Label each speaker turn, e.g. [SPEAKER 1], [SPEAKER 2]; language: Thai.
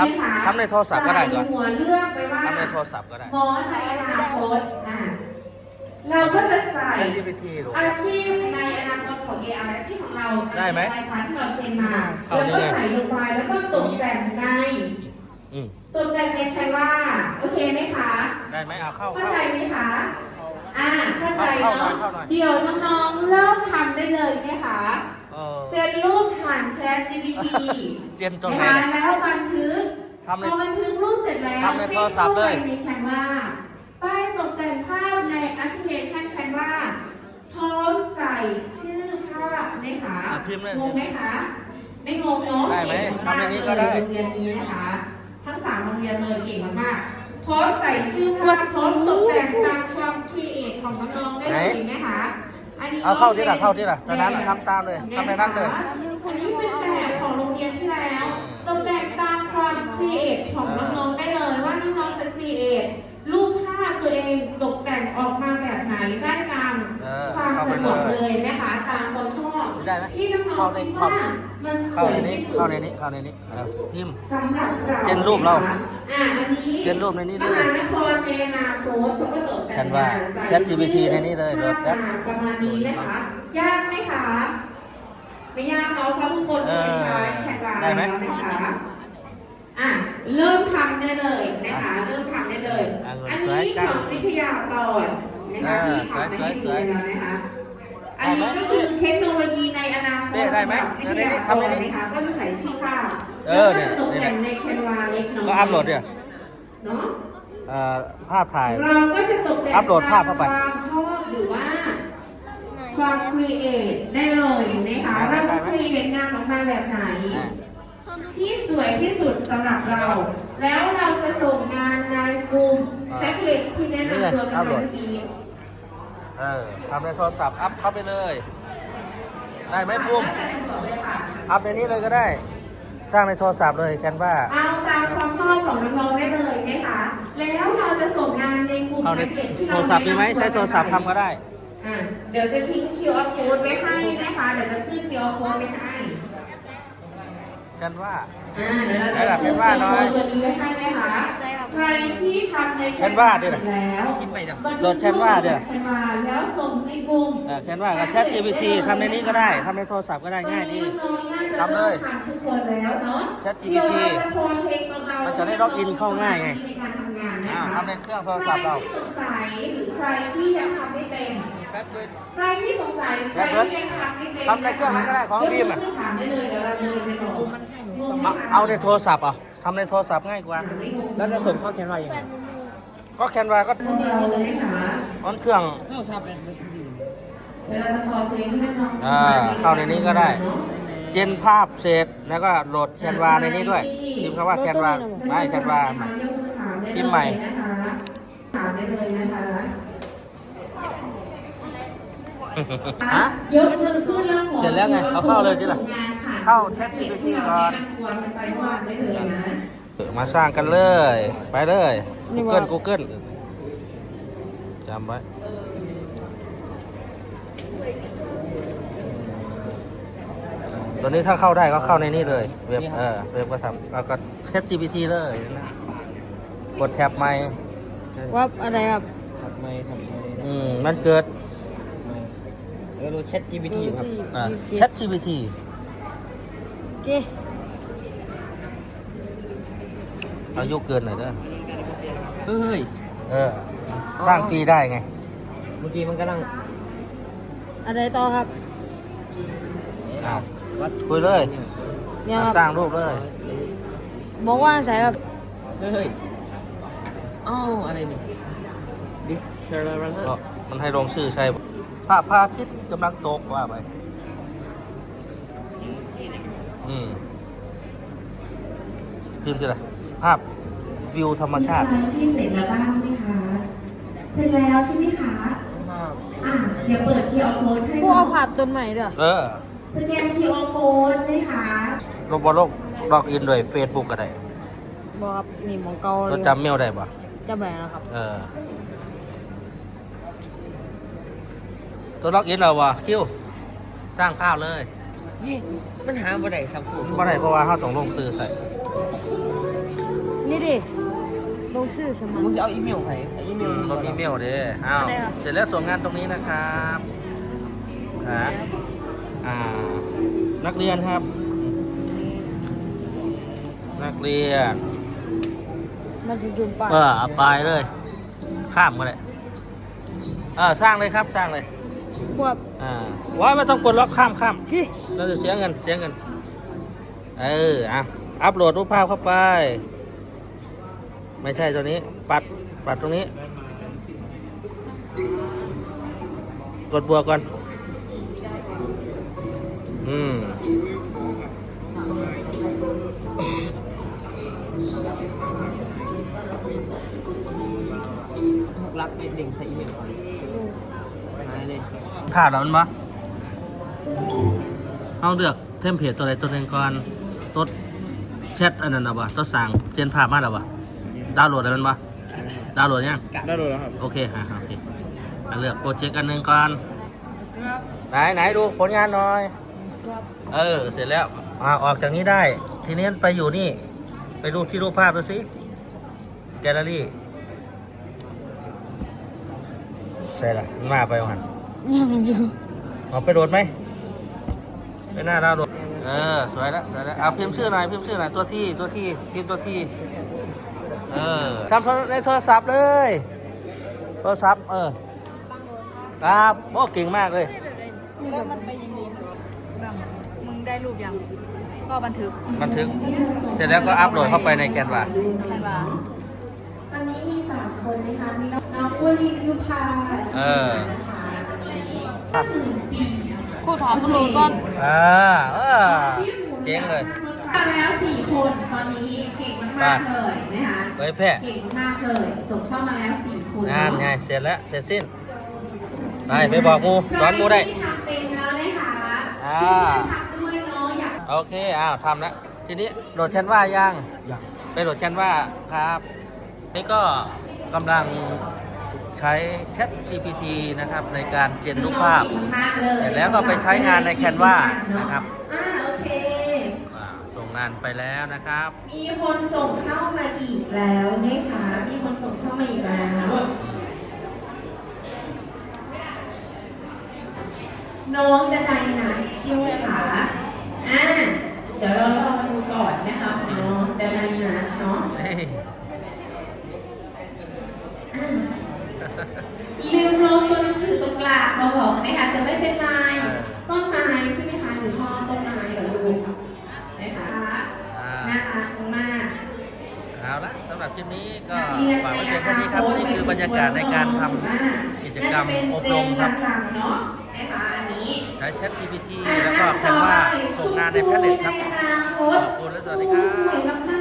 [SPEAKER 1] ทำในโทรศัพท์ก็ได้ด้วย
[SPEAKER 2] หัวเลือกไปว่า
[SPEAKER 1] ทำในโทรศัพท์ก็ได้
[SPEAKER 2] หมอในอนาคตเราก็จะใส่
[SPEAKER 1] ChatGPT หรอ
[SPEAKER 2] อาชีพในอนาคตของ AI อาชีพของเรา
[SPEAKER 1] ได้ไหม
[SPEAKER 2] ในพาร์ทที่เราเป็นมา
[SPEAKER 1] เข้า
[SPEAKER 2] แล้ว
[SPEAKER 1] นี่
[SPEAKER 2] ก็
[SPEAKER 1] ไง
[SPEAKER 2] ใส่ลงไปแล้วก็ตกแต่งใน ตกแต่งในแคนวาโอเคไหมคะ
[SPEAKER 1] ได้ไหมเอาเข้า
[SPEAKER 2] เข้าใจไหมคะเข้าใจ
[SPEAKER 1] เข้าหน่
[SPEAKER 2] เนาะ
[SPEAKER 1] อยเข้าหน่อย
[SPEAKER 2] เดี๋ยวน้องๆเริ่มทำได้เลยนะคะ เจนรูปผ่าน Chat GPT
[SPEAKER 1] เจนตรงไหน
[SPEAKER 2] นะคะแล้วบันทึก
[SPEAKER 1] ทำใน
[SPEAKER 2] พอบันทึกรูปเสร็จแล้ว
[SPEAKER 1] ทำในโทรศัพท์เลย
[SPEAKER 2] ในแคนวาป้ายตกแต่งภาพในแอปพลิเคชันแคนวาพร้อมใส่ชื่อภาพนะคะ
[SPEAKER 1] พิมพ์เลย
[SPEAKER 2] งงไหมคะไม่งงเนาะ
[SPEAKER 1] ได้ไหม
[SPEAKER 2] เก่งมาก
[SPEAKER 1] ทำในนี้
[SPEAKER 2] ๆ
[SPEAKER 1] ก็ได้
[SPEAKER 2] โรงเรียนนี้นะคะทั้ง3โรงเรียนเลยเก่งมากๆพร้อมใส่ชื่อภาพพร้อมตกแต่งตามความครีเอทของน้องๆได้เลยนะคะอันนี้
[SPEAKER 1] เอาเข้าที่ละเข้าที่ละตอนนั้นทำตามเลยทำในนั้นเลย
[SPEAKER 2] อันนี้เป็นแบบของโรงเรียนที่แล้วตกแต่งตามความครีเอทของน้องๆได้เลยว่าน้องๆจะครีเอทรูปภาพตัวเองตกแต่งออกมาแบบไหนได้ตามความสะดวกเลยนะคะตามความชอบ
[SPEAKER 1] ได้ไหม
[SPEAKER 2] ที่น้องๆคิดว่ามันส
[SPEAKER 1] เข้า
[SPEAKER 2] วย
[SPEAKER 1] ในนี้
[SPEAKER 2] ที่สุ
[SPEAKER 1] เข้า
[SPEAKER 2] ด
[SPEAKER 1] ในนี้เข้าในนี้พิมพ์
[SPEAKER 2] สำหรับเรา
[SPEAKER 1] เจนรูปเรา
[SPEAKER 2] อันนี้
[SPEAKER 1] เจนรูปในนี้ด้วย
[SPEAKER 2] มหานครในอนาคตเขาก็ตกแต่ง
[SPEAKER 1] ฉันว่า ChatGPT ในนี้เลยโหลดแอป
[SPEAKER 2] ประมาณนี้นะคะ ยากไหมคะ ไม่ยากเนาะเพราะทุกคนเคยใช้แท็กไลน์
[SPEAKER 1] ได้ไหม
[SPEAKER 2] แล้วนะคะเริ่มทำได้เลยนะคะ เริ่มทำได้เลย อันนี้ของวิทยากรนะคะที่ทำให้ดูแล้วนะคะ อันนี้ก็คือเทคโนโลยีในอนาคต
[SPEAKER 1] ได้ไหม
[SPEAKER 2] สำหรับวิทยากรนะคะก็จะใส่ชื่อภาพ
[SPEAKER 1] เอ
[SPEAKER 2] แล้ว
[SPEAKER 1] อ
[SPEAKER 2] ก็
[SPEAKER 1] เนี่ย
[SPEAKER 2] จะตกแต่งในแคนวาเล็กน้อย
[SPEAKER 1] ก็อัพโหลดเนี่ย
[SPEAKER 2] เนาะ
[SPEAKER 1] ภาพถ่าย
[SPEAKER 2] เราก็จะตกแต่ง
[SPEAKER 1] อัพโหลดภาพเข้าไป
[SPEAKER 2] ความชอบหรือว่าความครีเอทได้เลยนะคะเราจะครีเอทงานออกมาแบบไหน ที่สวยที่สุดสำหรับเรา แล้วเราจะส่งงานในกลุ่มแท็กเล็ตที่แนะนำตัวกันเมื่อกี้
[SPEAKER 1] ทำในโทรศัพท์อัพเข้าไปเลย ได้ไหมปุ้มอัพในนี้เลยก็ได้ สร้างในโทรศัพท์เลยแคนวา
[SPEAKER 2] เอาตามความชอบของน้องๆได้เลยนะคะแล้วเราจะส่งงานในกลุ่ม
[SPEAKER 1] เอาใน
[SPEAKER 2] แท็กเล็ตที่
[SPEAKER 1] โทรศัพท์มีไหมใช้โทรศัพท์ทำก็ได้
[SPEAKER 2] เดี๋ยวจะทิ้ง QR code ไว้ให้นะคะเดี๋ยวจะขึ้น QR code ไว้ให้
[SPEAKER 1] แคนวา
[SPEAKER 2] เดี๋ยวเราจะขึ้น QR code ตัวนี้ไว้ให้นะคะใครที่ทำใน
[SPEAKER 1] แคนวาดิ
[SPEAKER 2] แล้ว
[SPEAKER 1] โหลดแคนวาดิ
[SPEAKER 2] แคนวาแล้วส่งในกลุ่ม
[SPEAKER 1] แคนวากับ ChatGPT ทำในนี้ก็ได้ทำในโทรศัพท์ก็ได้ง่ายดี ทำเลย
[SPEAKER 2] ทำทุกคนแล้วเนาะ
[SPEAKER 1] ChatGPT
[SPEAKER 2] เดี๋ยวเราจะโพสเพลงเบาๆ
[SPEAKER 1] มันจะได้ล็อกอินเข้าง่ายไง
[SPEAKER 2] ในการทำงานนะคะ
[SPEAKER 1] ทำในเครื่องโทรศัพท์เรา
[SPEAKER 2] ใครที่สงสัยหรือใครที่ยังทำไม่เป็นใครที่สงสัยหรือใครที่ยังทำไม่เป็น
[SPEAKER 1] ทำในเครื่องนั้นก็ได้ของบีมอะ
[SPEAKER 2] ยกมืถามได้เลยเดี๋ยวเราจะไปบอก
[SPEAKER 1] เอาในโทรศัพท์ทำในโทรศัพท์ง่ายกว่า
[SPEAKER 3] แล้วจะส่งเข้าแคนวายังไง
[SPEAKER 1] ก็แคนวาก็
[SPEAKER 2] ของเราเลยนะคะ
[SPEAKER 1] ออนเครื่อง
[SPEAKER 3] เข้าชาเป็น
[SPEAKER 2] เดี๋ยวเราจะพอเพลงให้น้องๆ
[SPEAKER 1] เข้าในนี้ก็ได้ เจนภาพเสร็จแล้วก็โหลดแคนวาในนี้ด้วยพิมพ์คำว่าแคนวาไม่แคนวาใหม่ พิมพ์ใหม่
[SPEAKER 2] ถามได้เลยนะคะ
[SPEAKER 1] ฮะ
[SPEAKER 2] ยกมือขึ้นแล้วขอ
[SPEAKER 1] เสร็จแล้วไงเขาเข้าเลยทีละเข้า ChatGPT ก่อน
[SPEAKER 2] ไปก่อนได้เลยนะ
[SPEAKER 1] มาสร้างกันเลย ไปเลย Google จำไว้ ตัวนี้ถ้าเข้าได้ก็เข้าในนี้เลย เว็บเว็บก็ทำแล้วก็ ChatGPT เลยนะกดแท็บใหม่
[SPEAKER 3] ว่าอะไรครับทำไม
[SPEAKER 1] มันเกิด
[SPEAKER 3] ดูแชท GPT ครับ
[SPEAKER 1] ChatGPT
[SPEAKER 3] โอเค
[SPEAKER 1] อายุเกินหน่อยเด้อ
[SPEAKER 3] เฮ้ย
[SPEAKER 1] สร้างฟรีได้ไง
[SPEAKER 3] เมื่อกี้มันกำลังอะไรต่อครับ
[SPEAKER 1] คุยเลย
[SPEAKER 3] เนี่ยครับ
[SPEAKER 1] สร้างรูปเลย
[SPEAKER 3] บอกว่าใช่ครับเฮ้ยอ้าวอะไรนี่ดิเชอร์
[SPEAKER 1] ก็มันให้ลงชื่อใช่ภาพพระอาทิตย์กำลังตกว่าไปพิมพ์ที่ไรภาพวิวธรรมชาติ
[SPEAKER 2] ที่เสร็จแล้วบ้างไหมคะ เสร็จแล้วใช่ไหมคะ เดี๋ยวเปิด QR code ให้
[SPEAKER 3] กูเอาภาพต้นใหม่ด้วย
[SPEAKER 2] สแกน QR code นะคะ
[SPEAKER 1] ลงบอลล็อกอินด้วย Facebook ก็ได้
[SPEAKER 3] บอกครับนี่หมองเก่าเล
[SPEAKER 1] ตัวย จำเมลได้ปะ
[SPEAKER 3] จำแบบนะครับ
[SPEAKER 1] ตัวล็อกอินเราวะคิวสร้างภาพเลย
[SPEAKER 3] นี่มันหาบ่ได้ครับผม
[SPEAKER 1] บ่ได้เพราะว่าเขาต้องลงซื้อใส่
[SPEAKER 3] นี่ดิลงชื่อสมัคร
[SPEAKER 4] มึงจะเอาอีเมลใครอีเมล
[SPEAKER 1] เรามีเมลเด้อ้าว
[SPEAKER 3] อะไรครับ
[SPEAKER 1] เสร็จแล้วส่งงานตรงนี้นะครับนักเรียนครับ นักเรียน
[SPEAKER 3] มันจะยืมไป
[SPEAKER 1] เอาไปเลย ข้ามก็ได้สร้างเลยครับสร้างเลย
[SPEAKER 3] พวก
[SPEAKER 1] ว้ายไม่ต้องกดล็อกข้าม
[SPEAKER 3] พี่
[SPEAKER 1] เราจะเสียเงินอัพโหลดรูปภาพเข้าไป ไม่ใช่ตัวนี้ปัดตรงนี้ กดบวกก่อน
[SPEAKER 4] รักไปเด้งใส่อีเมลก่อนหายเลย
[SPEAKER 1] ภาพแล้วมันบ่เอาเลือกเทมเพลตตัวใดตัวหนึ่งก่อนตัวแชทอันนั้นนะบ่ตัวสั่งเจนภาพมาแล้วบ่ดาวน์โหลดอะไรมันบ่ดาวน์โหลดยัง
[SPEAKER 4] ได้เลยแล้วครับ
[SPEAKER 1] โอเคโอเคเลือกโปรเจกต์อันหนึ่งก่อนไหนดูผลงานหน่อย เสร็จแล้วออกจากนี้ได้ ทีนี้ไปอยู่นี่ ไปดูที่รูปภาพดูสิแกลเลอรี่ใช่ละมันมาไปวัน
[SPEAKER 3] ยังอยู่
[SPEAKER 1] เอาไปโหลดไหมไปหน้าดาวน์โหลดสวยแล้วเอาพิมพ์ชื่อหน่อยตัวที่พิมพ์ตัวที่ทำในโทรศัพท์เลยโทรศัพท์ครับโอ้เก่งมากเลย
[SPEAKER 3] แล้วมันไปยังไงมึงได้รูปยังก็บันทึก
[SPEAKER 1] เสร็จแล้วก็อัพโหลดเข้าไปในแคนวา
[SPEAKER 3] ใช่ป่ะ
[SPEAKER 2] ตอนนี้มี3คนนะคะมีน้องอ้วนลินยุพาปี
[SPEAKER 3] ครูถามครูก่อน
[SPEAKER 1] เจ๋งเลย
[SPEAKER 2] ทำแล้ว4 คนตอนนี้เก่งมากๆเลยนะคะ
[SPEAKER 1] เผยแพร่
[SPEAKER 2] เก่งมากเลยส่งเข้ามาแล้ว4 คน
[SPEAKER 1] งานไงเสร็จแล้วเสร็จสิ้นไปบอกมูสอนมูได้
[SPEAKER 2] ที่ทำเป็นแล้วนะคะ
[SPEAKER 1] อ่า
[SPEAKER 2] ช่วยทำด้วยเนาะอยาก
[SPEAKER 1] โอเคทำแล้วทีนี้โหลดแคนวายังไปโหลดแคนวาครับนี่ก็กำลังใช้ Chat GPT นะครับในการเจนรูปภาพ เสร็จแล้วก็ไปใช้งานในแคนวานะครับ
[SPEAKER 2] โอเค
[SPEAKER 1] ส่งงานไปแล้วนะครับ
[SPEAKER 2] มีคนส่งเข้ามาอีกแล้วนะคะมีคนส่งเข้ามาอีกแล้ว น้องดนัยนะใช่ไหมคะเดี๋ยวเราลองมาดูก่อนนะคะน้องดนัยนะเนาะลืมลงตัวหนังสือตรงกลางบอกนะคะแต่ไม่เป็นไรต้นไม้ใช่ไหมคะหนูชอบต้นไม้เหรอลูกนะคะน่ารักมาก
[SPEAKER 1] เอาละสำหรับคลิปนี้ก็ฝากไว้เพียงเท่านี้ครับนี่คือบรรยากาศในการทำกิจกรรมอบรมครับ
[SPEAKER 2] เนาะนะคะอันนี้
[SPEAKER 1] ใช้ Chat GPT แล้วก็แคนวาส่งงานในแพลตเน็ตครับ ขอบคุณและสวัสดีครับ
[SPEAKER 2] สวยมาก